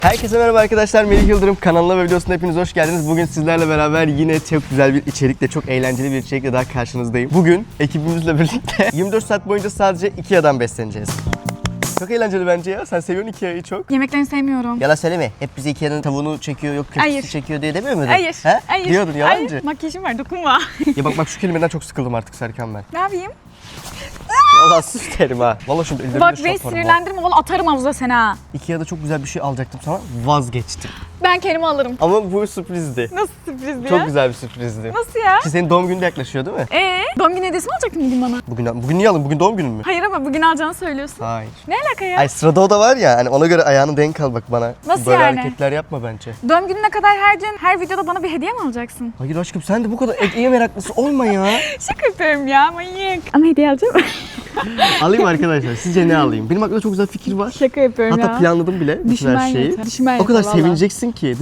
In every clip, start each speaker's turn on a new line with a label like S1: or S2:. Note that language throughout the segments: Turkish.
S1: Herkese merhaba arkadaşlar, Melih Yıldırım kanalına ve videosuna hepiniz hoş geldiniz. Bugün sizlerle beraber yine çok güzel bir içerikle, çok eğlenceli bir içerikle daha karşınızdayım. Bugün ekibimizle birlikte 24 saat boyunca sadece Ikea'dan besleneceğiz. Çok eğlenceli bence ya. Sen seviyorsun Ikea'yı çok.
S2: Yemeklerini sevmiyorum.
S1: Yalan söyleme. Hep bize Ikea'nın tavuğunu çekiyor, yok köftesi
S2: Hayır.
S1: çekiyor diye demiyor muydun?
S2: Hayır.
S1: He?
S2: Hayır.
S1: Diyordun yalancı.
S2: Hayır. Makyajım var, dokunma.
S1: Ya bak şu kelimeden çok sıkıldım artık Serkan ben.
S2: Ne yapayım?
S1: Valla sus derim ha. Valla şimdi ellerimle
S2: Bak
S1: şey
S2: beni
S1: yaparım ha.
S2: sinirlendirme, valla atarım havuza seni ha.
S1: Ikea'da çok güzel bir şey alacaktım sana. Vazgeçtim.
S2: Ben kendimi alırım.
S1: Ama bu sürprizdi.
S2: Nasıl sürprizdi ya?
S1: Çok güzel bir sürprizdi.
S2: Nasıl ya?
S1: Ki senin doğum günün de yaklaşıyor değil mi?
S2: Doğum günü hediyesi mi alacaktın bugün bana?
S1: Bugün niye alayım? Bugün doğum günün mü?
S2: Hayır ama bugün alacağını söylüyorsun.
S1: Hayır.
S2: Ne alaka ya?
S1: Ay sırada o da var ya, hani ona göre ayağını denk al bak bana.
S2: Nasıl
S1: Böyle
S2: yani?
S1: hareketler yapma bence.
S2: Doğum gününe kadar her gün, her videoda bana bir hediye mi alacaksın?
S1: Hayır aşkım sen de bu kadar hediye meraklısı olma ya.
S2: Şaka yapıyorum ya, manyak. Ama hediye alacağım.
S1: Alayım arkadaşlar, sizce ne alayım? Benim aklımda çok güzel fikir var.
S2: Şaka yapıyorum
S1: Hatta
S2: ya.
S1: planladım bile bütün
S2: Düşünmen
S1: her şeyi.
S2: yeter, düşünmen
S1: O kadar
S2: yeter valla.
S1: sevineceksin ki.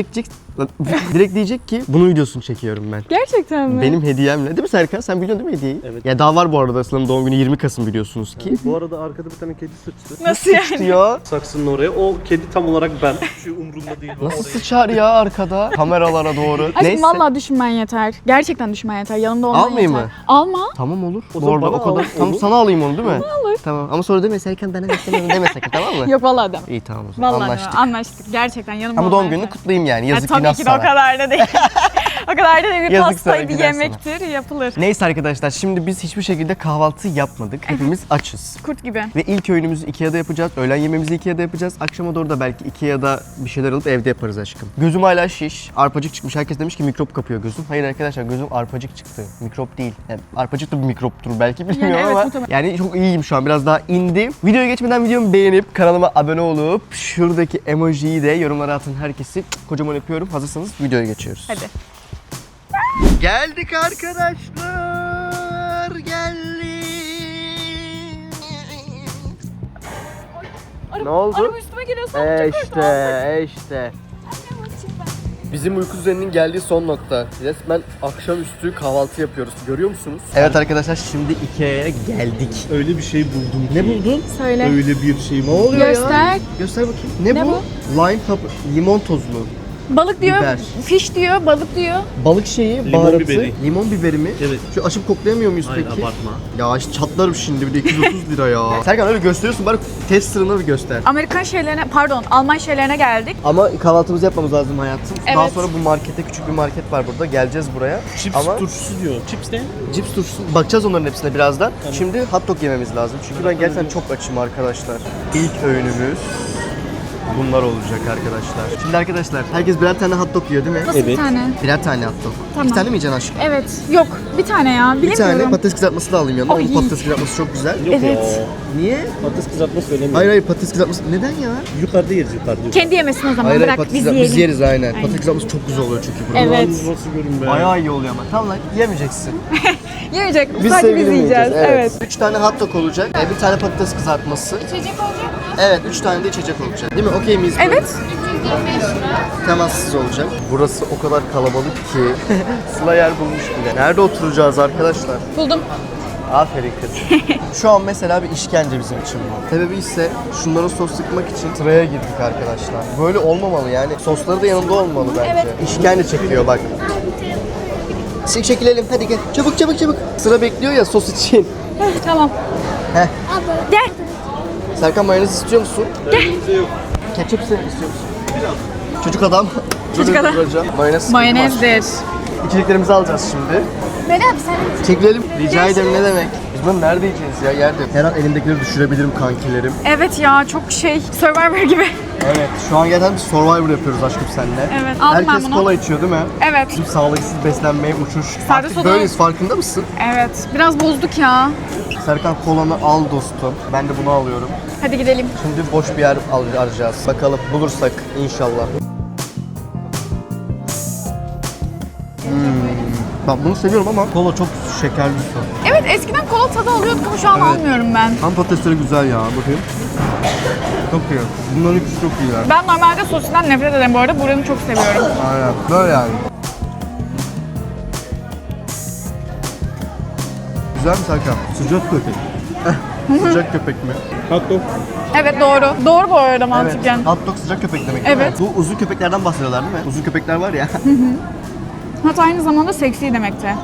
S1: Direkt diyecek ki bunun videosunu çekiyorum ben.
S2: Gerçekten mi?
S1: Benim hediyemle. Değil mi Serkan? Sen biliyorsun değil mi hediyeyi?
S3: Evet.
S1: Ya daha var bu arada, Aslı'nın doğum günü 20 Kasım biliyorsunuz ki.
S3: Bu arada arkada bir tane kedi sıçtı.
S2: Nasıl yani?
S1: Diyor.
S3: Saksının oraya. O kedi tam olarak ben. Şu umurumda değil.
S1: Nasıl
S3: Oraya-
S1: sıçar ya arkada? Kameralara doğru.
S2: Aşkım vallahi düşünmen yeter. Gerçekten düşünmen yeter. Yanımda olman
S1: Almayayım
S2: yeter.
S1: mı?
S2: Alma.
S1: Tamam olur.
S3: O
S1: Bu
S3: zaman
S1: arada
S3: bana
S1: o kadar.
S3: al,
S1: Tamam
S3: olur.
S1: sana alayım onu değil mi?
S2: Olur.
S1: Tamam ama sonra deme Serkan bana istemiyorum deme sakın, tamam mı?
S2: Yok vallahi deme.
S1: İyi tamam o zaman
S2: Vallahi
S1: anlaştık.
S2: anlaştık. Gerçekten yanımda
S1: Ama
S2: olman
S1: doğum gününü
S2: yeter.
S1: kutlayayım yani,
S2: Ya
S1: yazık
S2: tabii
S1: günah
S2: ki de o
S1: sana.
S2: kadar da değil. O kadar da değil. Bir
S1: Yazık
S2: pasta,
S1: sana,
S2: bir
S1: günah
S2: yemektir, yapılır.
S1: Neyse arkadaşlar, şimdi biz hiçbir şekilde kahvaltı yapmadık. Hepimiz açız.
S2: Kurt gibi.
S1: Ve ilk öğünümüzü Ikea'da yapacağız. Öğlen yemeğimizi Ikea'da yapacağız. Akşama doğru da belki Ikea'da bir şeyler alıp evde yaparız aşkım. Gözüm hala şiş. Arpacık çıkmış. Herkes demiş ki mikrop kapıyor gözüm. Hayır arkadaşlar, gözüm arpacık çıktı. Mikrop değil. Yani arpacık da bir mikroptur belki, bilmiyorum
S2: evet,
S1: ama.
S2: muhtemelen.
S1: Yani çok iyiyim şu an. Biraz daha indi. Videoya geçmeden videomu beğenip kanalıma abone olup şuradaki emojiyi de yorumlara atın herkesi. Kocaman öpüyorum. Hazırsanız videoya geçiyoruz.
S2: Hadi.
S1: Geldik arkadaşlar. Geldik. Ne oldu?
S2: Araba üstüme geliyor sandım. Çok korktum.
S1: İşte. Bizim uyku düzeninin geldiği son nokta. Resmen akşamüstü kahvaltı yapıyoruz. Görüyor musunuz? Evet arkadaşlar, şimdi Ikea'ya geldik.
S3: Öyle bir şey buldum.
S1: Ne buldun?
S2: Söyle.
S3: Öyle bir şey buldum.
S1: oluyor
S2: Göster.
S1: Göster bakayım. Ne,
S2: Ne
S1: bu? Lime pepper, limon tozlu.
S2: Balık diyor,
S1: Biber.
S2: fiş diyor, balık diyor.
S1: Balık şeyi,
S3: Limon
S1: baharatı.
S3: biberi.
S1: Limon biberi mi?
S3: Evet.
S1: Şu açıp koklayamıyor muyuz
S3: Hayır,
S1: peki?
S3: abartma.
S1: Ya işte çatlarım şimdi, bir de 230 lira ya. Serkan öyle gösteriyorsun, bari test sırrını bir göster.
S2: Amerikan şeylerine, pardon Alman şeylerine geldik.
S1: Ama kahvaltımızı yapmamız lazım hayatım. Daha
S2: Evet.
S1: sonra bu markete, küçük bir market var burada. Geleceğiz buraya.
S3: Chips
S1: Ama
S3: turşusu diyor. Chips ne?
S1: cips turşusu, bakacağız onların hepsine birazdan. Şimdi hot dog yememiz lazım. Çünkü ben gerçekten çok açım arkadaşlar. İlk öğünümüz bunlar olacak arkadaşlar. Şimdi arkadaşlar, herkes birer tane hot dog yiyor değil mi?
S2: Nasıl bir
S3: Evet.
S2: tane?
S1: Birer tane hot dog.
S2: Tamam.
S1: 2 tane mi yiyeceksin aşkım?
S2: Evet. Yok. Bir tane ya.
S1: Bir
S2: Bilemiyorum.
S1: tane patates kızartması da alayım yanına.
S2: Ay.
S1: Onun patates kızartması çok güzel.
S3: Yok
S2: Evet.
S3: ya.
S1: Niye?
S3: Patates kızartma söylemiyorum.
S1: Hayır patates kızartması. Neden ya?
S3: Yukarıda yeriz yukarıda.
S2: Kendi yemesin o zaman.
S1: Hayır
S2: Bırak
S1: patates
S2: biz
S1: kızartması biz
S2: yiyelim.
S1: yeriz aynen. Patates kızartması çok güzel oluyor çünkü burada.
S2: Evet.
S3: Yalnız nasıl görün be.
S1: Bayağı iyi oluyor ama. Tamam lan, yemeyeceksin.
S2: Yiyecek.
S1: Biz
S2: Sadece biz
S1: sevgili
S2: yiyeceğiz.
S1: yiyeceğiz,
S2: Evet.
S1: 3 tane hot dog olacak, bir tane patates kızartması.
S2: İçecek olacak.
S1: Evet, 3 tane de içecek olacak. Değil mi? Okey miyiz? böyle?
S2: Evet.
S1: Temassız olacak. Burası o kadar kalabalık ki Sıla yer bulmuş bile. Nerede oturacağız arkadaşlar?
S2: Buldum.
S1: Aferin kız. Şu an mesela bir işkence bizim için bu. Sebebi ise şunlara sos sıkmak için sıraya girdik arkadaşlar. Böyle olmamalı yani. Sosları da yanında olmalı bence.
S2: Evet.
S1: İşkence çekiyor bak. Çekilelim hadi gel. Çabuk çabuk çabuk. Sıra bekliyor ya sos için.
S2: Tamam.
S1: Heh.
S2: Gel.
S1: Serkan mayonez istiyor musun?
S3: Elimizde yok.
S1: Ketçap istiyor musun? Çocuk adam.
S2: Çocuk adam.
S1: Mayonez.
S2: Mayonezdir.
S1: İçeceklerimizi alacağız şimdi.
S2: Meri abi sen
S1: Çekilelim. Rica ederim, ne demek. Biz bunu nerede yiyeceğiz ya? Yerde. Her an elimdekileri düşürebilirim kankilerim.
S2: Evet ya, çok Survivor gibi.
S1: Evet. Şu an gerçekten bir Survivor yapıyoruz aşkım seninle.
S2: Evet, aldım ben
S1: Herkes
S2: bunu.
S1: kola içiyor değil mi?
S2: Evet.
S1: Bizim sağlıksız beslenmeye uçuş.
S2: Sade
S1: Artık
S2: soda-
S1: böyleyiz, farkında mısın?
S2: Evet. Biraz bozduk ya.
S1: Serkan kolanı al dostum. Ben de bunu alıyorum.
S2: Hadi gidelim.
S1: Şimdi boş bir yer arayacağız. Bakalım bulursak inşallah. Ben bunu seviyorum ama kola çok şekerli su.
S2: Evet, eskiden kola tadı alıyorduk ama şu an almıyorum ben.
S1: Ham patatesleri güzel ya, bakayım. Çok iyi. Bunların ikisi çok iyiler.
S2: Ben normalde sosinden nefret ederim bu arada. Buranı çok seviyorum.
S1: Aynen. Böyle yani. Güzel mi Serkan?
S3: Sıcak köpek.
S1: Sıcak köpek mi?
S3: Hot dog.
S2: Evet doğru. Doğru bu arada mantıken.
S1: Evet. Hot dog sıcak köpek demek.
S2: Evet.
S1: Bu uzun köpeklerden bahsediyorlar değil mi? Uzun köpekler var ya.
S2: Hatta aynı zamanda seksi demekti.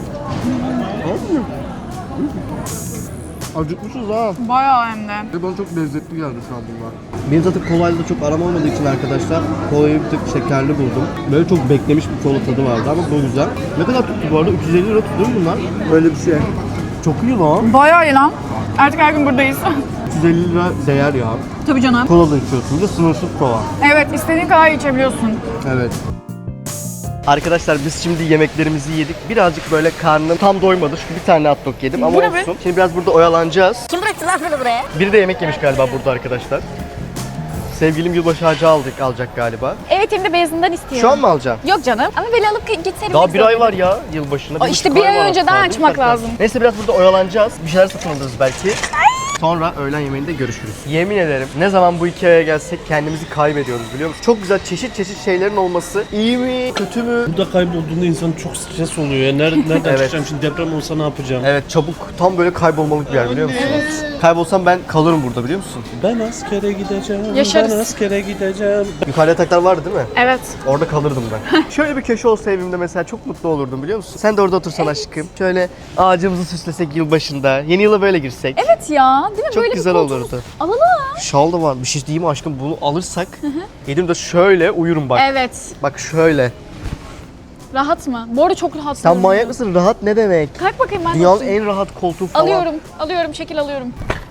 S1: Acıkmışız ha.
S2: Bayağı hem de.
S1: Ve bana çok lezzetli geldi şu an bunlar. Benim zaten kolayla da çok aram olmadığı için arkadaşlar kolayı bir tık şekerli buldum. Böyle çok beklemiş bir kola tadı vardı ama bu güzel. Ne kadar tuttu bu arada? 350 lira tuttu mu bunlar? Öyle bir şey. Çok iyi lan.
S2: Bayağı iyi lan. Artık her gün buradayız.
S1: 350 lira değer ya.
S2: Tabii canım.
S1: Kola da içiyorsun. Bir de sınırsız kola.
S2: Evet istediğin kadar içebiliyorsun.
S1: Evet. Arkadaşlar biz şimdi yemeklerimizi yedik. Birazcık böyle karnım tam doymadı çünkü bir tane hot dog yedim ama
S2: Bu ne be?
S1: olsun. Şimdi biraz burada oyalanacağız.
S4: Kim bıraktı lan bunu buraya?
S1: Biri de yemek yemiş galiba burada arkadaşlar. Sevgilim yılbaşı ağacı alacak galiba.
S4: Evet hem de beyazından istiyorum.
S1: Şu an mı alacaksın?
S4: Yok canım ama böyle alıp gitseydim.
S1: Daha bir ay var ya yılbaşına.
S2: Aa, işte bir ay önceden açmak lazım.
S1: Neyse biraz burada oyalanacağız. Bir şeyler satın alırız belki. Sonra öğlen yemeğinde görüşürüz. Yemin ederim ne zaman bu Ikea'ya gelsek kendimizi kaybediyoruz biliyor musun? Çok güzel çeşit şeylerin olması. İyi mi? Kötü mü?
S3: Burada kaybolduğunda insan çok stres oluyor ya. Nereden
S1: Evet.
S3: çıkacağım şimdi, deprem olsa ne yapacağım?
S1: Evet çabuk. Tam böyle kaybolmalık bir yer biliyor musun? Kaybolsam ben kalırım burada biliyor musun?
S3: Ben askere gideceğim.
S2: Yaşarız.
S3: Ben askere gideceğim.
S1: Yukarıda yataklar vardı değil mi?
S2: Evet.
S1: Orada kalırdım ben. Şöyle bir köşe olsa evimde mesela çok mutlu olurdum biliyor musun? Sen de orada otursan aşkım. Şöyle ağacımızı süslesek yılbaşında. Yeni yıla böyle girsek.
S2: Evet ya değil mi?
S1: Çok
S2: Böyle
S1: güzel
S2: bir koltuğumuz-
S1: olurdu.
S2: Alalım.
S1: Şal da var. Bir şey diyeyim mi aşkım? Bunu alırsak yedim şöyle uyurum bak.
S2: Evet.
S1: Bak şöyle.
S2: Rahat mı? Bu arada çok rahat.
S1: Sen manyak mısın? Rahat ne demek?
S2: Kalk bakayım ben de
S1: Dünyanın
S2: oturayım.
S1: en rahat koltuğu falan.
S2: Alıyorum, şekil alıyorum.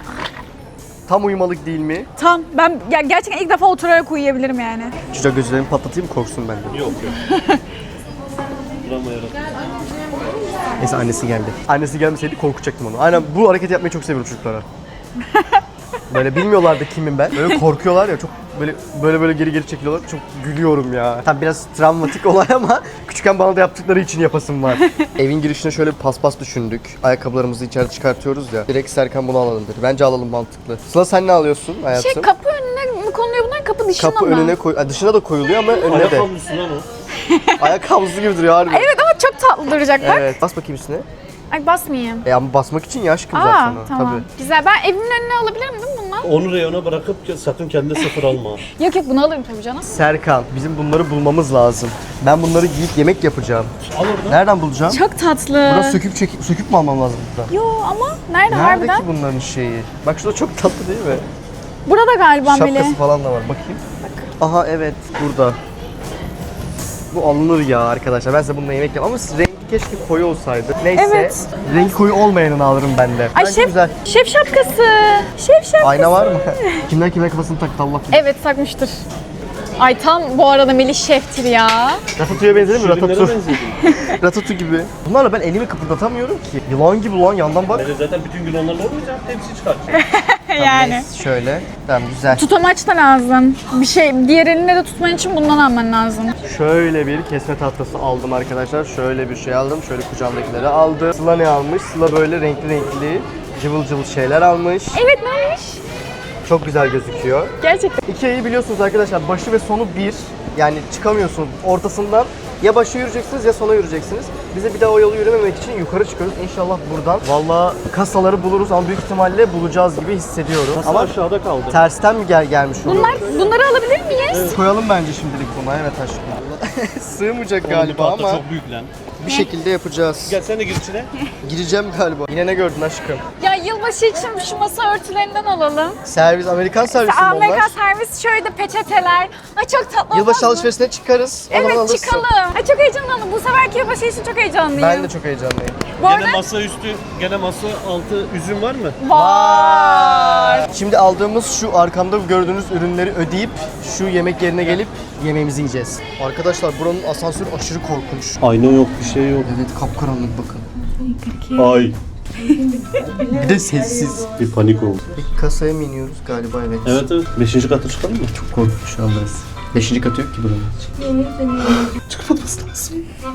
S1: Tam uyumalık değil mi?
S2: Tamam, ben gerçekten ilk defa oturarak uyuyabilirim yani.
S1: Çocuğa gözlerimi patlatayım mı korksun benden?
S3: Yok. Duramayarak.
S1: Neyse annesi geldi. Annesi gelmeseydi korkutacaktım onu. Aynen bu hareketi yapmayı çok seviyorum çocuklara. Böyle bilmiyorlar da kimim ben. Böyle korkuyorlar ya çok böyle geri çekiliyorlar. Çok gülüyorum ya. Tam biraz travmatik olay ama küçükken bana da yaptıkları için yapasım var. Evin girişine şöyle bir paspas düşündük. Ayakkabılarımızı içeri çıkartıyoruz ya. Direkt Serkan bunu alalım dedi. Bence alalım mantıklı. Sıla sen ne alıyorsun hayatım?
S2: Kapı önüne mi konuluyor bunlar, kapı dışına
S1: Kapı
S2: mı?
S1: önüne koy. Dışına da koyuluyor ama önüne
S3: Ayak
S1: de.
S3: havlusu lan o.
S1: Ayak havlusu gibi duruyor harbi.
S2: Evet ama çok tatlı duracak bak.
S1: Evet. Bas bakayım üstüne.
S2: Ay basmayayım.
S1: Ama basmak için ya aşkım
S2: Aa
S1: zaten o.
S2: tamam.
S1: Tabii.
S2: Güzel. Ben evimin önüne alabilirim değil mi bundan?
S3: Onu reyona bırakıp sakın kendine sıfır alma.
S2: Yok bunu alırım tabii canım.
S1: Serkan, bizim bunları bulmamız lazım. Ben bunları giyip yemek yapacağım.
S3: Al oradan.
S1: Nereden bulacağım?
S2: Çok tatlı.
S1: Buradan söküp mü almam lazım buradan?
S2: Yo ama nerede
S1: Nerede
S2: harbiden?
S1: ki bunların şeyi? Bak şurada çok tatlı değil mi?
S2: Burada galiba
S1: Şapkası
S2: Melih.
S1: falan da var. Bakayım. Aha evet burada. Bu alınır ya arkadaşlar. Ben size bununla yemek yapayım ama rengi keşke koyu olsaydı. Neyse.
S2: Evet.
S1: Rengi koyu olmayanını alırım ben de.
S2: Ay
S1: Bence güzel.
S2: şef şapkası. Şef şapkası.
S1: Ayna var mı? kimler kafasını taktı Allah bilir.
S2: Evet takmıştır. Ay tam bu arada Melih şeftir ya.
S1: Ratatouille'ye benzedi mi?
S3: Şirinlere
S1: Ratatouille.
S3: benzedin.
S1: Ratatouille gibi. Bunlarla ben elimi kıpırdatamıyorum ki. Yılan gibi lan yandan bak.
S3: Bence zaten bütün gün onlarla olmayacak. Hepsi çıkartacak.
S2: Yani.
S1: Neyse, şöyle. Tamam güzel.
S2: Tutamaç da lazım. Bir şey diğer elinle de tutman için bundan alman lazım.
S1: Şöyle bir kesme tahtası aldım arkadaşlar. Şöyle bir şey aldım. Şöyle kucağımdakileri aldı. Sıla ne almış? Sıla böyle renkli cıvıl cıvıl şeyler almış.
S2: Evet neymiş?
S1: Çok güzel gözüküyor.
S2: Gerçekten.
S1: Ikea'yı biliyorsunuz arkadaşlar. Başı ve sonu bir. Yani çıkamıyorsunuz ortasından. Ya başa yürüyeceksiniz ya sona yürüyeceksiniz. Bize bir daha o yolu yürümemek için yukarı çıkıyoruz. İnşallah buradan. Vallahi kasaları buluruz ama büyük ihtimalle bulacağız gibi hissediyorum.
S3: Kasa
S1: ama
S3: aşağıda kaldı.
S1: tersten mi gelmiş oluyor?
S2: Bunları alabilir miyiz?
S1: Koyalım bence şimdilik buna. Evet aşkım. Sığmayacak galiba
S3: Tahta
S1: ama
S3: çok büyük lan.
S1: bir şekilde yapacağız.
S3: Gel sen de gir içine.
S1: Gireceğim galiba. Yine ne gördün aşkım?
S2: Ya yılbaşı için şu masa örtülerinden alalım.
S1: Servis, Amerikan servisi mi onlar?
S2: Amerikan servis şöyle de peçeteler. Ay çok tatlı
S1: Yılbaşı
S2: olmaz mı?
S1: alışverişine çıkarız. o zaman
S2: Evet
S1: alırsın.
S2: çıkalım. Ay çok heyecanlandım. Bu seferki yılbaşı için çok heyecanlıyım.
S1: Ben de çok heyecanlıyım.
S2: Bu arada
S3: Gene masa üstü, gene masa altı üzüm var mı?
S2: var.
S1: Şimdi aldığımız şu arkamda gördüğünüz ürünleri ödeyip şu yemek yerine gelip yemeğimizi yiyeceğiz. Arkadaşlar buranın asansörü aşırı korkunç.
S3: Ayna yok, bir şey yok.
S1: Evet kapkaranlık bakın.
S3: Ay.
S1: Bir de sessiz.
S3: Bir panik oldu.
S1: Bir kasaya mı iniyoruz galiba evet.
S3: Evet. 5. katı çıkalım mı?
S1: Çok korkunç şu an burası. 5. katı yok ki buranın. Çıkmamız lazım.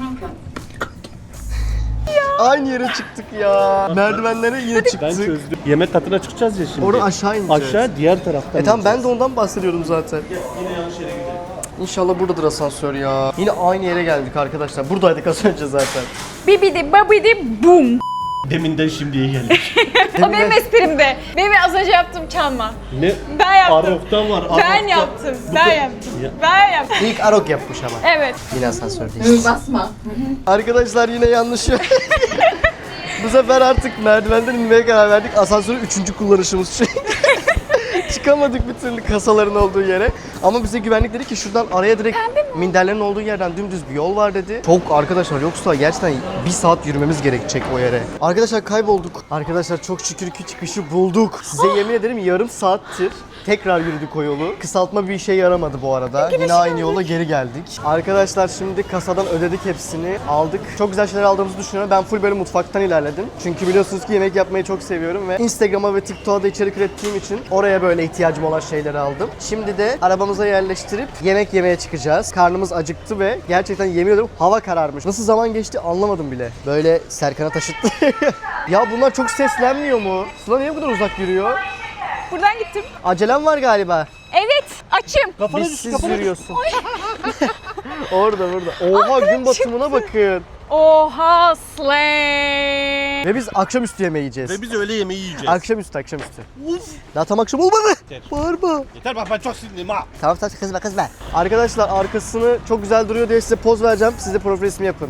S1: Aynı yere çıktık ya. Merdivenlere yine
S3: Ben
S1: çıktık.
S3: çözdüm. Yemek katına çıkacağız ya şimdi.
S1: Orada aşağı ineceğiz.
S3: Aşağı diğer taraftan.
S1: Tamam ben de ondan bahsediyordum zaten.
S3: Yine yanlış yere gidelim.
S1: İnşallah buradadır asansör ya. Yine aynı yere geldik arkadaşlar. Buradaydık az önce zaten.
S2: Bibidi babidi bum.
S3: Deminden şimdiye geldik.
S2: O benim esprimdi. Benim az önce yaptığım çalma.
S3: Ne?
S2: Ben yaptım.
S3: Arok'ta var.
S2: Ben
S3: Arok'ta.
S2: yaptım.
S3: Bu
S2: Ben
S3: da-
S2: yaptım.
S3: Ya.
S2: Ben yaptım.
S1: İlk Arok yapmış ama.
S2: Evet.
S1: Yine asansördeyiz.
S5: Basma.
S1: Arkadaşlar yine yanlış. Bu sefer artık merdivenden inmeye karar verdik. Asansörü 3. kullanışımız şu. Çıkamadık bir türlü kasaların olduğu yere. Ama bize güvenlik dedi ki şuradan araya direkt minderlerin olduğu yerden dümdüz bir yol var dedi. Çok arkadaşlar, yoksa gerçekten 1 saat yürümemiz gerekecek o yere. Arkadaşlar kaybolduk. Arkadaşlar çok şükür ki çıkışı bulduk. Size yemin ederim yarım saattir tekrar yürüdük o yolu. Kısaltma bir işe yaramadı bu arada. Yine aynı yola geri geldik. Arkadaşlar şimdi kasadan ödedik hepsini. Aldık. Çok güzel şeyler aldığımızı düşünüyorum. Ben full böyle mutfaktan ilerledim. Çünkü biliyorsunuz ki yemek yapmayı çok seviyorum ve Instagram'a ve TikTok'a da içerik ürettiğim için oraya böyle ihtiyacım olan şeyleri aldım. Şimdi de arabamıza yerleştirip yemek yemeye çıkacağız. Karnımız acıktı ve gerçekten yemin ediyorum hava kararmış. Nasıl zaman geçti anlamadım bile. Böyle Serkan'a taşıttı. Ya bunlar çok seslenmiyor mu? Sıla niye bu kadar uzak yürüyor?
S2: Buradan gittim.
S1: Acelem var galiba.
S2: Evet. Açım.
S3: Kafana
S1: Biz
S3: düş,
S1: siz
S3: kafana düş.
S1: yürüyorsun. Orada. Oha gün batımına bakın.
S2: Oha slay.
S1: Ve biz akşamüstü yemeği yiyeceğiz.
S3: Ve biz öğle yemeği yiyeceğiz.
S1: Akşamüstü. Daha tam akşam olmadı.
S3: Yeter.
S1: Bağırma.
S3: Yeter bak ben çok sinirliyim ha.
S1: Tamam kızma. Arkadaşlar arkasını çok güzel duruyor diye size poz vereceğim. Siz de profil resmi yapın.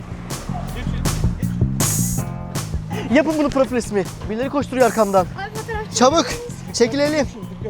S1: Yapın bunu profil resmi. Birileri koşturuyor arkamdan. Çabuk. Çekilelim.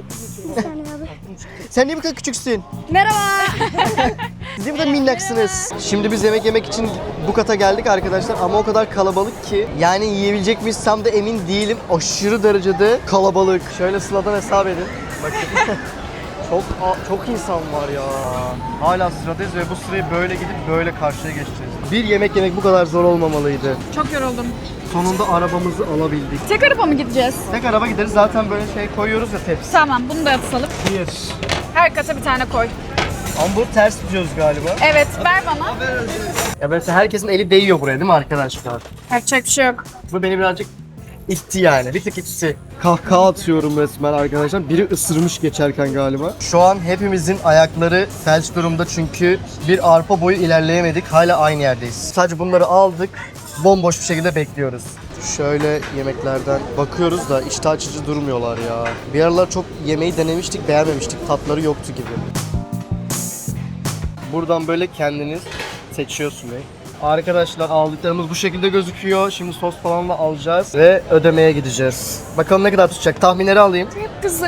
S1: Sen niye bu kadar küçüksün?
S4: Merhaba.
S1: Siz niye bu kadar minnaksınız? Şimdi biz yemek yemek için bu kata geldik arkadaşlar ama o kadar kalabalık ki yani yiyebilecek miyiz tam da emin değilim. Aşırı derecede kalabalık. Şöyle Sıla'dan hesap edin. Bakın. çok insan var ya. Hala sıradayız ve bu sırayı böyle gidip böyle karşıya geçeceğiz. Bir yemek yemek bu kadar zor olmamalıydı.
S2: Çok yoruldum.
S1: Sonunda arabamızı alabildik.
S2: Tek araba mı gideceğiz?
S1: Tek araba gideriz zaten böyle şey koyuyoruz ya tepsi.
S2: Tamam bunu da atalım.
S1: Bir.
S2: Her kata bir tane koy.
S1: Ama bu ters tutuyoruz galiba.
S2: Evet ver bana.
S1: Ya böyle herkesin eli değiyor buraya değil mi arkadaşlar?
S2: Yapacak bir şey yok.
S1: Bu beni birazcık itti yani. Bir tık itti. Kahkaha atıyorum resmen arkadaşlar. Biri ısırmış geçerken galiba. Şu an hepimizin ayakları felç durumda çünkü bir arpa boyu ilerleyemedik. Hala aynı yerdeyiz. Sadece bunları aldık. Bomboş bir şekilde bekliyoruz. Şöyle yemeklerden bakıyoruz da iştah açıcı durmuyorlar ya. Bir aralar çok yemeği denemiştik, beğenmemiştik. Tatları yoktu gibi. Buradan böyle kendiniz seçiyorsun bey. Arkadaşlar aldıklarımız bu şekilde gözüküyor. Şimdi sos falan da alacağız ve ödemeye gideceğiz. Bakalım ne kadar tutacak. Tahminleri alayım.
S2: Kızı.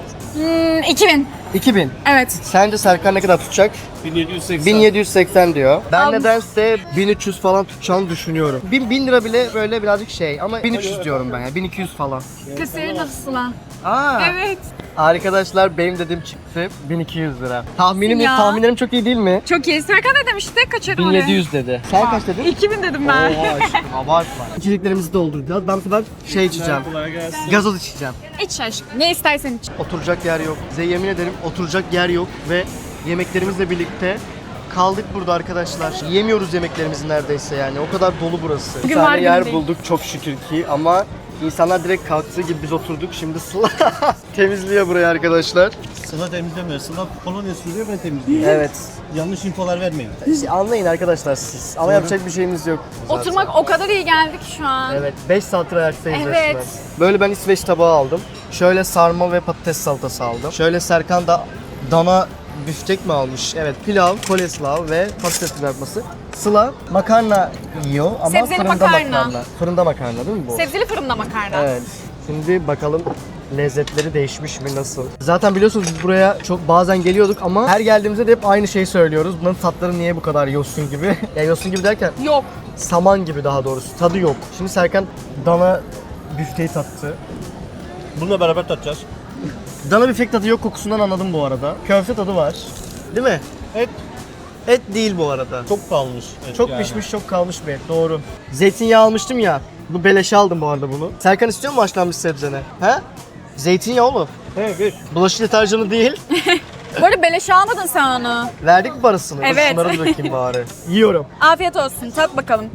S2: 2000.
S1: 2000.
S2: Evet.
S1: Sence Serkan ne kadar tutacak?
S3: 1780.
S1: 1780 diyor. Ben
S2: Al.
S1: nedense 1300 falan tutacağını düşünüyorum. 1000 lira bile böyle birazcık şey ama 1300 diyorum ben ya. 1200 falan.
S2: Kız senin nasıl lan?
S1: Aa.
S2: Evet.
S1: Arkadaşlar benim dediğim çıktı. 1200 lira.
S2: Ya.
S1: Tahminlerim çok iyi değil mi?
S2: Çok iyi. Serkan ne demişti? Kaçırdım
S1: 1700 dedi. Sen kaç dedin?
S2: 2000 dedim ben.
S1: Oha aşkım abartma. İçeceklerimizi dolduracağız. Ben bu sefer şey içeceğim.
S3: Kolay gelsin.
S1: Gazoz içeceğim.
S2: İç aşkım. Ne istersen iç.
S1: Oturacak yer yok. Size yemin ederim oturacak yer yok ve yemeklerimizle birlikte kaldık burada arkadaşlar. Yemiyoruz yemeklerimizi neredeyse yani. O kadar dolu burası. Bir
S2: Bugün
S1: tane
S2: var
S1: yer
S2: günü değil.
S1: bulduk çok şükür ki ama insanlar direkt kalktığı gibi biz oturduk. Şimdi Sıla temizliyor burayı arkadaşlar.
S3: Sıla temizlemiyor. Sıla kolonya sürüyor ben temizliyorum.
S1: Evet.
S3: Yanlış infolar vermeyin.
S1: Anlayın arkadaşlar siz. Ama yapacak bir şeyimiz yok. zaten.
S2: Oturmak o kadar iyi geldik şu an.
S1: Evet, 5 saattir ayaktayız
S2: Evet.
S1: resmen. Böyle ben İsveç tabağı aldım. Şöyle sarma ve patates salatası aldım. Şöyle Serkan da dana büftek mi almış? Evet, pilav, koleslav ve patates kızartması. Sıla makarna yiyor ama
S2: Sebzeli
S1: fırında
S2: makarna.
S1: Fırında makarna değil mi bu?
S2: Sebzeli fırında makarna.
S1: Evet. Şimdi bakalım lezzetleri değişmiş mi, nasıl? Zaten biliyorsunuz biz buraya çok bazen geliyorduk ama her geldiğimizde de hep aynı şeyi söylüyoruz. Bunların tatları niye bu kadar yosun gibi? Ya yosun gibi derken
S2: Yok.
S1: saman gibi daha doğrusu. Tadı yok. Şimdi Serkan dana büfteyi tattı.
S3: Bununla beraber tatacağız.
S1: Dana büftek tadı yok, kokusundan anladım bu arada. Köfte tadı var. Değil mi?
S3: Et
S1: Et değil bu arada.
S3: çok kalmış. Et
S1: Çok
S3: yani.
S1: pişmiş, çok kalmış bir et. Doğru. Zeytinyağı almıştım ya. Bu beleşe aldım bu arada bunu. Serkan istiyor mu haşlanmış sebzene? He? Zeytinyağı oğlum.
S3: Evet.
S1: Bulaşık deterjanı değil.
S2: Bu arada beleş almadın sen onu.
S1: Verdik mi parasını? Dur
S2: Evet.
S1: şunlara bir bakayım bari. Yiyorum.
S2: Afiyet olsun. Tat bakalım.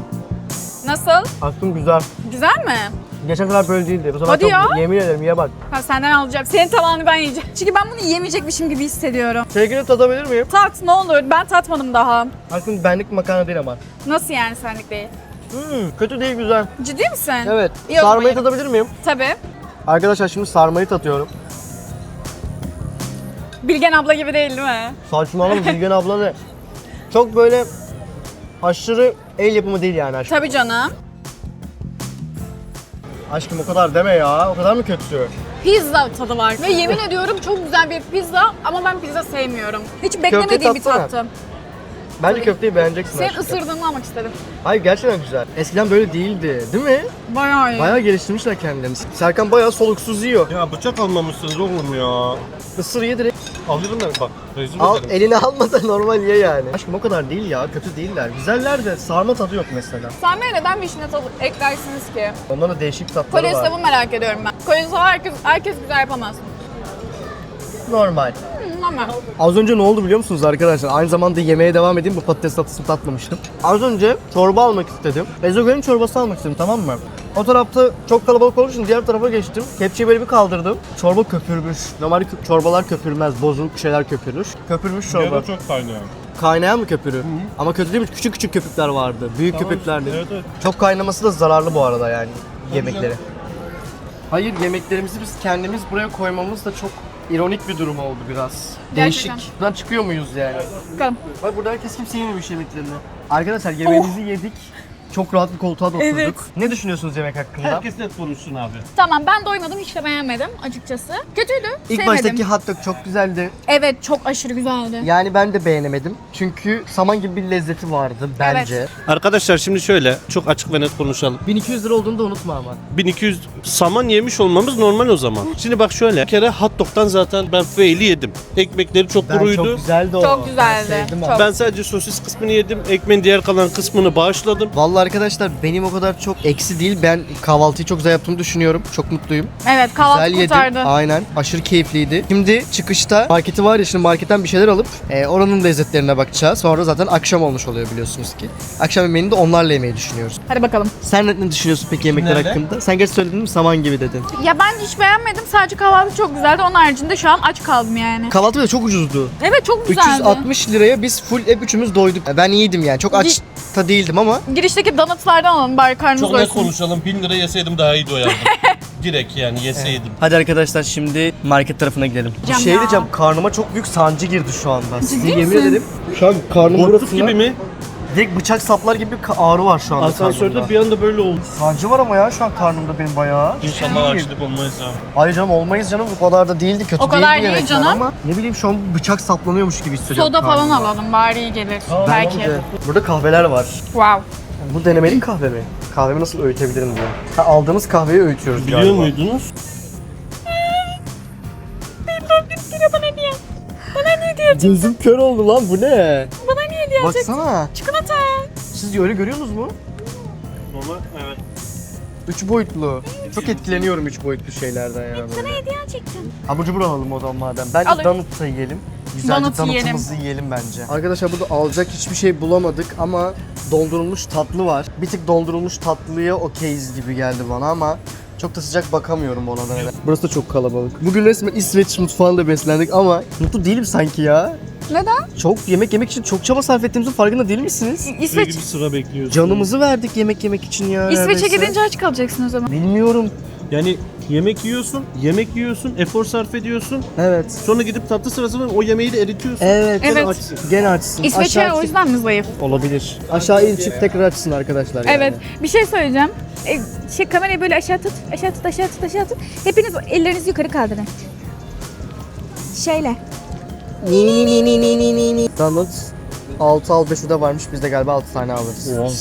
S2: Nasıl?
S1: Aslında güzel.
S2: Güzel mi?
S1: Geçen sefer böyle değildi. Bu sefer
S2: Hadi
S1: çok
S2: ya.
S1: yemin ederim ye bak.
S2: Ha, senden alacağım. Senin tabağını ben yiyeceğim. Çünkü ben bunu yemeyecekmişim gibi hissediyorum.
S1: Sevgili tadabilir miyim?
S2: Tat ne olur. Ben tatmadım daha.
S1: Aslında benlik makarna değil ama.
S2: Nasıl yani senlik değil?
S1: Kötü değil, güzel.
S2: Ciddi misin?
S1: Evet.
S2: İyi, o
S1: Sarmayı
S2: zaman
S1: tadabilir miyim?
S2: Tabii.
S1: Arkadaşlar şimdi sarmayı tatıyorum.
S2: Bilgen abla gibi değil mi?
S1: Saçmalama Bilgen abla ne? Çok böyle aşırı el yapımı değil yani aşkım.
S2: Tabii canım.
S1: Aşkım o kadar deme ya. O kadar mı kötü?
S2: Pizza tadı var. Ve yemin ediyorum çok güzel bir pizza ama ben pizza sevmiyorum. Hiç beklemediğim bir
S1: tatsana.
S2: tattı.
S1: Bence köfteyi beğeneceksin
S2: Senin
S1: aşkım.
S2: ısırdığını almak istedim.
S1: Hayır gerçekten güzel. Eskiden böyle değildi değil mi?
S2: Bayağı iyi.
S1: Bayağı geliştirmişler kendilerini. Serkan bayağı soluksuz yiyor.
S3: Ya bıçak almamışsınız oğlum ya.
S1: Isır ye direkt.
S3: Alırım ben bak. Rezil
S1: Al,
S3: ederim.
S1: elini alma da normal ye yani. Aşkım o kadar değil ya. Kötü değiller. Güzeller de sarma tadı yok mesela.
S2: Sarmaya neden vişne tadı eklersiniz ki?
S1: Onların da değişik tatları var.
S2: Kolesterolü merak ediyorum ben. Kolesterolü herkes güzel yapamaz.
S1: Normal.
S2: Ama
S1: Az önce ne oldu biliyor musunuz arkadaşlar? Aynı zamanda yemeğe devam edeyim. Bu patates tatlısını tatmamıştım. Az önce çorba almak istedim. Ezogelin çorbası almak istedim, tamam mı? O tarafta çok kalabalık olduğu için diğer tarafa geçtim. Kepçeyi böyle bir kaldırdım. Çorba köpürmüş. Normalde çorbalar köpürmez. Bozuluk şeyler köpürür. Köpürmüş çorba.
S3: Yara çok kaynıyor.
S1: Kaynayan mı köpürü? Ama kötü değil mi? Küçük küçük köpükler vardı. Büyük köpükler değil.
S3: Evet, evet.
S1: Çok kaynaması da zararlı bu arada yani yemekleri. Hayır, yemeklerimizi biz kendimiz buraya koymamız da çok ironik bir durum oldu biraz.
S2: Gerçekten.
S1: Değişik. Buradan çıkıyor muyuz yani?
S2: bakalım.
S1: Bak burada herkes kimse yememiş yemeklerini. Arkadaşlar yemeğimizi yedik. Çok rahat bir koltuğa da oturduk.
S2: Evet.
S1: Ne düşünüyorsunuz yemek hakkında?
S3: Herkes net konuşsun abi.
S2: Tamam, ben doymadım, hiç de beğenmedim açıkçası. Kötüydü,
S1: İlk
S2: sevmedim.
S1: baştaki hot dog çok güzeldi.
S2: Evet, çok aşırı güzeldi.
S1: Yani ben de beğenemedim. Çünkü saman gibi bir lezzeti vardı bence.
S3: Arkadaşlar şimdi şöyle çok açık ve net konuşalım.
S1: 1200 lira olduğunu da unutma ama.
S3: 1200 saman yemiş olmamız normal o zaman. Şimdi bak şöyle. Bir kere hot dog'tan zaten ben faili yedim. Ekmekleri çok
S1: Ben
S3: kuruydu.
S1: çok güzeldi o.
S2: Çok güzeldi.
S1: Ben sevdim
S2: Çok.
S1: ama.
S3: Ben sadece sosis kısmını yedim. Ekmeğin diğer kalan kısmını bağışladım.
S1: Vallahi arkadaşlar benim o kadar çok eksi değil. Ben kahvaltıyı çok güzel yaptığımı düşünüyorum. Çok mutluyum.
S2: Evet, kahvaltı
S1: Güzel yedim.
S2: kurtardı.
S1: Aynen. Aşırı keyifliydi. Şimdi çıkışta marketi var ya, şimdi marketten bir şeyler alıp oranın lezzetlerine bakacağız. Sonra zaten akşam olmuş oluyor biliyorsunuz ki. Akşam yemeğini de onlarla yemeyi düşünüyoruz.
S2: Hadi bakalım.
S1: Sen ne düşünüyorsun peki yemekler
S3: Nerede?
S1: hakkında? Sen geç söyledin mi, saman gibi dedin.
S2: Ya ben hiç beğenmedim. Sadece kahvaltı çok güzeldi. Onun haricinde şu an aç kaldım yani.
S1: Kahvaltı da çok ucuzdu.
S2: Evet, çok güzeldi.
S1: 360 liraya biz full hep üçümüz doyduk. Ben iyiydim yani. Çok aç da değildim ama.
S2: Girişteki donutlardan alalım bari karnımız
S3: Çok net
S2: doysun.
S3: konuşalım. 1000 lira yeseydim daha iyi doyardım. Direkt yani yeseydim.
S1: Hadi arkadaşlar şimdi market tarafına gidelim.
S2: Cam
S1: Şey
S2: ya.
S1: diyeceğim, karnıma çok büyük sancı girdi şu anda. Size
S2: Ciddi
S1: yemin
S2: misin?
S1: ederim. Şu an karnım
S3: Korkut
S1: burasında
S3: gibi mi?
S1: direkt bıçak saplar gibi bir ağrı var şu anda
S3: Asansörde
S1: karnımda.
S3: bir anda böyle oldu.
S1: Sancı var ama ya şu an karnımda benim bayağı.
S3: İnşallah açlık olmayız ya.
S1: Hayır canım, olmayız canım, bu kadar da değildi, kötü
S2: O kadar
S1: değildi
S2: değil
S1: yemekler
S2: canım.
S1: ama ne bileyim şu an bıçak saplanıyormuş gibi hissediyorum
S2: Soda falan
S1: karnımda.
S2: alalım bari iyi gelir. Belki.
S1: Bence. Burada kahveler var.
S2: Wow.
S1: Bu denemelik kahve mi? Kahvemi nasıl öğütebilirim diyor. Ha, aldığımız kahveyi öğütüyoruz
S3: Biliyor
S1: galiba.
S3: muydunuz?
S1: Gözüm kör oldu lan, bu ne?
S2: Bana niye hediye alacaksın?
S1: Baksana.
S2: Çikolata.
S1: Siz öyle görüyorsunuz mu?
S3: Normal evet.
S1: 3 boyutlu. Çok etkileniyorum 3 boyutlu şeylerden ya.
S2: Sana hediye alacaktım.
S1: Abur cubur alalım o zaman madem. Bence
S2: Alın.
S1: donut da yiyelim. Güzelce
S2: Donut
S1: donutumuzu yiyelim bence. Arkadaşlar burada alacak hiçbir şey bulamadık ama dondurulmuş tatlı var. Bir tık dondurulmuş tatlıya okeyiz gibi geldi bana ama çok da sıcak bakamıyorum ona da. Burası da çok kalabalık. Bugün resmen İsveç mutfağında beslendik ama mutlu değilim sanki ya.
S2: Neden?
S1: Çok yemek yemek için çok çaba sarf ettiğimizin farkında değil misiniz?
S2: İsveç.
S3: Gibi sıra bekliyoruz.
S1: Canımızı verdik yemek yemek için ya.
S2: İsveç'e
S1: neredeyse.
S2: gidince aç kalacaksın o zaman.
S1: Bilmiyorum.
S3: Yani yemek yiyorsun, efor sarf ediyorsun.
S1: Evet.
S3: Sonra gidip tatlı sırasında o yemeği de eritiyorsun.
S1: Evet.
S2: Evet.
S3: Açsın.
S1: Gene açsın.
S2: İsveç'e
S1: Aşağı
S2: o yüzden mi zayıf?
S1: olabilir. Aşağı in çık tekrar açsın arkadaşlar. Yani.
S2: Evet. Bir şey söyleyeceğim. Kamerayı böyle aşağı tut, aşağı tut. Hepiniz ellerinizi yukarı kaldırın. Şöyle.
S1: Donut 6 al 5 de varmış. Biz de galiba 6 tane alırız.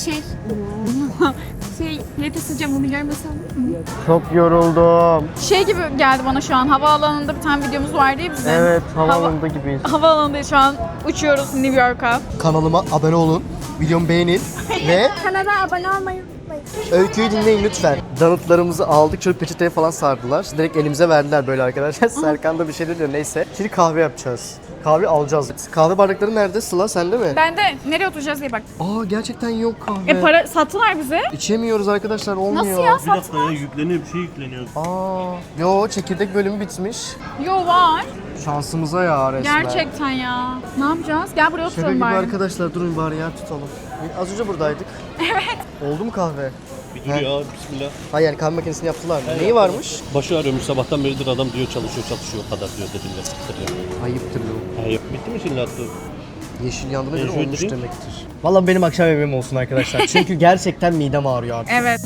S2: Nefes sıcağım bunu görmesem.
S1: Çok yoruldum.
S2: Şey gibi geldi bana şu an. Havaalanında bir tane videomuz vardı ya bizim.
S1: Evet, havaalanında gibiyiz.
S2: Havaalanında şu an uçuyoruz New York'a.
S1: Kanalıma abone olun. Videomu beğenin ve
S4: Kanala abone olmayı unutmayın.
S1: öyküyü dinleyin lütfen. Donutlarımızı aldık. Şöyle peçeteye falan sardılar. Direkt elimize verdiler böyle arkadaşlar. Serkan da bir şey diyor. Neyse. Şimdi kahve yapacağız. Kahve alacağız. Kahve bardakları nerede? Sıla sende mi?
S2: Ben de nereye oturacağız diye bak.
S1: Aa, gerçekten yok kahve.
S2: Para sattılar bize.
S1: İçemiyoruz arkadaşlar, olmuyor.
S2: Nasıl ya?
S3: Bir dakika ya yükleniyor bir şey yükleniyor.
S1: Aa, yo, çekirdek bölümü bitmiş.
S2: Yo var.
S1: Şansımıza ya resmen.
S2: Gerçekten ya. Ne yapacağız? Gel buraya
S1: Şaka
S2: oturalım
S1: gibi
S2: bari.
S1: arkadaşlar, durun bari yer tutalım. Az önce buradaydık. Evet. Oldu mu kahve?
S3: Bir dur ya bismillah.
S1: Hayır yani kahve makinesini yaptılar mı? Neyi varmış?
S3: Başı ağrıyormuş sabahtan beridir adam diyor çalışıyor o kadar diyor dedim ya. Sıkır ya.
S1: Ayıptır bu.
S3: Hayır bitti mi şimdi attı?
S1: Yeşil yandığına
S3: Ben
S1: göre
S3: şöyle
S1: olmuş
S3: durayım.
S1: demektir. Vallahi benim akşam yemeğim olsun arkadaşlar. Çünkü gerçekten midem ağrıyor artık.
S2: Evet.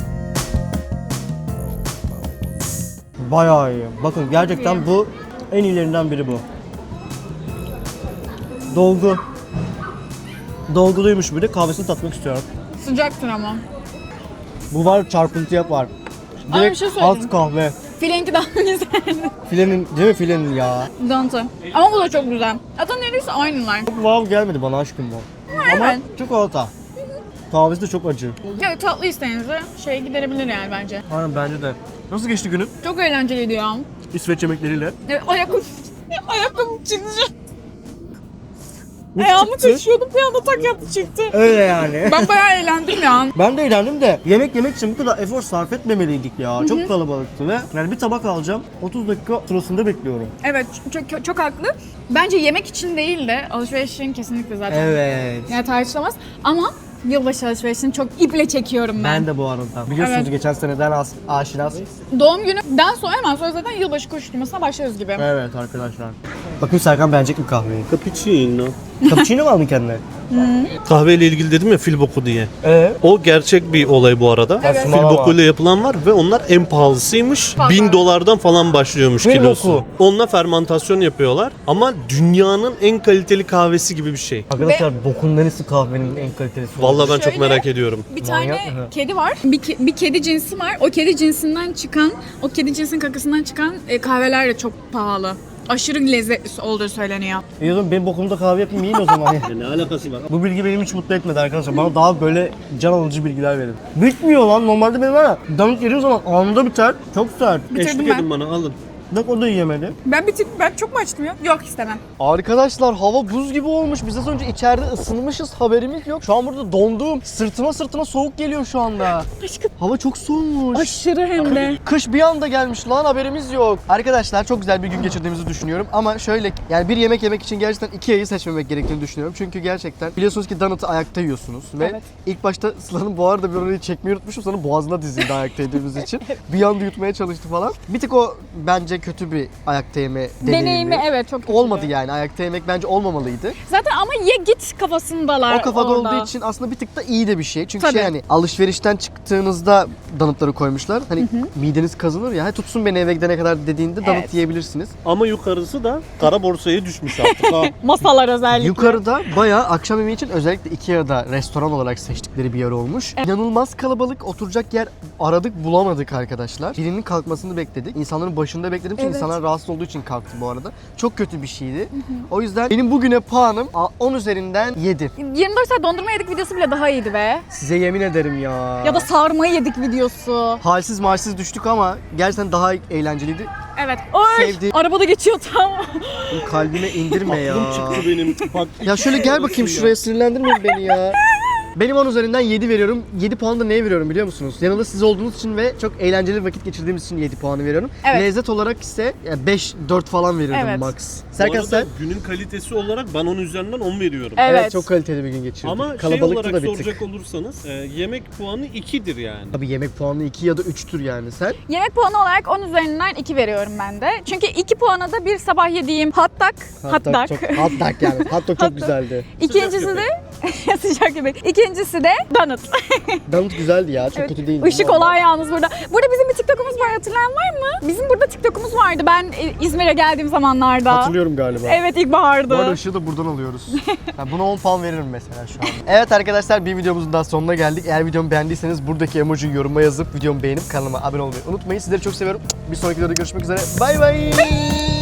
S1: Bayağı iyi. Bakın gerçekten bu en iyilerinden biri bu. Dolgu. Dolguluymuş bir de kahvesini tatmak istiyorum.
S2: Sıcaktır ama.
S1: Bu var çarpıntı yapar.
S2: Ama bir
S1: Direkt
S2: şey söyleyeyim.
S1: alt kahve.
S2: Filenki daha güzel.
S1: Filenin değil mi filenin ya?
S2: Dantı. Ama bu da çok güzel. Zaten neredeyse aynılar.
S1: Çok wow gelmedi bana aşkım bu. Ama
S2: Evet.
S1: çikolata. Kahvesi de çok acı.
S2: Ya tatlı isteğinize giderebilir yani bence.
S1: Aynen bence de. Nasıl geçti günün?
S2: Çok eğlenceliydi ya.
S1: İsveç yemekleriyle.
S2: Evet, ayakkabım çıktı. Ayağımı taşıyordum bir anda tak yaptı çıktı.
S1: Öyle yani.
S2: Ben bayağı eğlendim ya.
S1: Ben de eğlendim de yemek yemek için bu kadar efor sarf etmemeliydik ya. Çok kalabalıktı ve yani bir tabak alacağım. 30 dakika sırasında bekliyorum.
S2: Evet çok haklı. Bence yemek için değil de alışveriş için kesinlikle zaten.
S1: Evet.
S2: Yani tartışılamaz ama yılbaşı alışverişini çok iple çekiyorum ben.
S1: Ben de bu arada. Biliyorsunuz
S2: Evet.
S1: geçen seneden aşinaz.
S2: Doğum günümden sonra hemen sonra zaten yılbaşı koşturmasına başlıyoruz gibi.
S1: Evet arkadaşlar. Bakın Serkan beğenecek mi kahveyi?
S3: Cappuccino.
S1: Cappuccino mu aldın kendine?
S3: Kahveyle ilgili dedim ya fil boku diye. O gerçek bir olay bu arada.
S1: Evet.
S3: Fil bokuyla yapılan var ve onlar en pahalısıymış.
S2: Pahalı.
S3: 1000 dolardan falan başlıyormuş
S1: Fil
S3: kilosu.
S1: boku.
S3: Onunla fermantasyon yapıyorlar. Ama dünyanın en kaliteli kahvesi gibi bir şey.
S1: Arkadaşlar bokun neresi kahvenin en kalitelisi?
S3: Vallahi ben çok
S2: Şöyle-
S3: merak ediyorum.
S2: Bir tane
S1: Manyak mı?
S2: kedi var. Bir kedi cinsi var. O kedi cinsinden çıkan, o kedi cinsinin kakasından çıkan kahveler de çok pahalı. Aşırı lezzetli olduğu söyleniyor.
S1: İyi o zaman benim bokumda kahve yapayım yiyin o zaman.
S3: Ne alakası var?
S1: Bu bilgi benim hiç mutlu etmedi arkadaşlar. Bana daha böyle can alıcı bilgiler verin. Bitmiyor lan. Normalde benim var ya damık yediğim zaman anında biter. Çok sert.
S2: Bitirdim
S3: Eşlik
S2: ben.
S3: edin bana alın.
S1: Bak o da yiyemedi.
S2: Ben çok mu açtım ya? Yok istemem.
S1: Arkadaşlar hava buz gibi olmuş. Biz az önce içeride ısınmışız. Haberimiz yok. Şu an burada dondum. Sırtıma soğuk geliyor şu anda.
S2: Aşkım.
S1: Hava çok soğumuş.
S2: Aşırı hem de.
S1: Kış bir anda gelmiş lan haberimiz yok. Arkadaşlar çok güzel bir gün geçirdiğimizi düşünüyorum ama şöyle yani bir yemek yemek için gerçekten Ikea'yı seçmemek gerektiğini düşünüyorum. Çünkü gerçekten biliyorsunuz ki donut'ı ayakta yiyorsunuz ve
S2: Evet.
S1: ilk başta Sıla'nın bu arada bir orayı çekmeyi unutmuşum. Sonra boğazına dizildi ayakta yediğimiz için. Bir anda yutmaya çalıştı falan. Bir tık o bence kötü bir ayakta yeme
S2: Deneyimi evet çok kötü.
S1: Olmadı yani ayakta yemek bence olmamalıydı.
S2: Zaten ama ye git kafasındalar
S1: O kafada
S2: orada.
S1: olduğu için aslında bir tık da iyi de bir şey. Çünkü
S2: Tabii.
S1: şey hani alışverişten çıktığınızda donutları koymuşlar. Hani mideniz kazınır ya. Tutsun beni eve gidene kadar dediğinde donut
S2: Evet.
S1: yiyebilirsiniz.
S3: Ama yukarısı da kara borsaya düşmüş artık ha.
S2: Masalar özellikle.
S1: Yukarıda bayağı akşam yemeği için özellikle Ikea'da restoran olarak seçtikleri bir yer olmuş. İnanılmaz kalabalık, oturacak yer aradık bulamadık arkadaşlar. Birinin kalkmasını bekledik. İnsanların başında bekledim çünkü
S2: Evet.
S1: insanlar rahatsız olduğu için kalktı bu arada. Çok kötü bir şeydi. O yüzden benim bugüne puanım 10 üzerinden 7.
S2: 24 saat dondurma yedik videosu bile daha iyiydi be.
S1: Size yemin ederim ya.
S2: Ya da sarmayı yedik videosu.
S1: Halsiz malsiz düştük ama gerçekten daha eğlenceliydi.
S2: Evet. Oy!
S1: Sevdi.
S2: Arabada geçiyor tam.
S1: Kalbime indirme ya.
S3: Aklım çıktı benim. Bak,
S1: Ya şöyle gel bakayım şuraya, sinirlendirmeyin beni ya. Benim 10 üzerinden 7 veriyorum. 7 puanı da neye veriyorum biliyor musunuz? Yanında siz olduğunuz için ve çok eğlenceli bir vakit geçirdiğimiz için 7 puanı veriyorum.
S2: Evet.
S1: Lezzet olarak ise 5-4 falan verirdim
S2: Evet.
S1: max.
S3: Bu
S1: Serkan
S3: arada
S1: sen?
S3: günün kalitesi olarak ben onun üzerinden 10 veriyorum.
S2: Evet.
S1: Çok kaliteli bir gün geçirdik.
S3: Ama şey
S1: Kalabalıktı
S3: olarak
S1: da bir tık.
S3: soracak olursanız yemek puanı 2'dir yani.
S1: Tabii yemek puanı 2 ya da 3'tür yani sen.
S2: Yemek puanı olarak 10 üzerinden 2 veriyorum ben de. Çünkü 2 puana da bir sabah yediğim hot dog. Hot dog.
S1: Çok, hot dog yani. Hot dog çok güzeldi.
S2: İkincisi de sıcak yemek. İkincisi de donut.
S1: Donut güzeldi ya. Çok
S2: Evet.
S1: kötü değildi.
S2: Işık olay yalnız burada. Burada bizim bir TikTok'umuz var, hatırlayan var mı? Bizim burada TikTok'umuz vardı ben İzmir'e geldiğim zamanlarda.
S1: Hatırlıyorum galiba.
S2: Evet
S1: Bu arada
S2: ilkbahardı.
S1: ışığı da buradan alıyoruz. Yani buna 10 puan veririm mesela şu an. Evet arkadaşlar bir videomuzun daha sonuna geldik. Eğer videomu beğendiyseniz buradaki emojiyi yoruma yazıp videomu beğenip kanalıma abone olmayı unutmayın. Sizleri çok seviyorum. Bir sonraki videoda görüşmek üzere. Bay bay.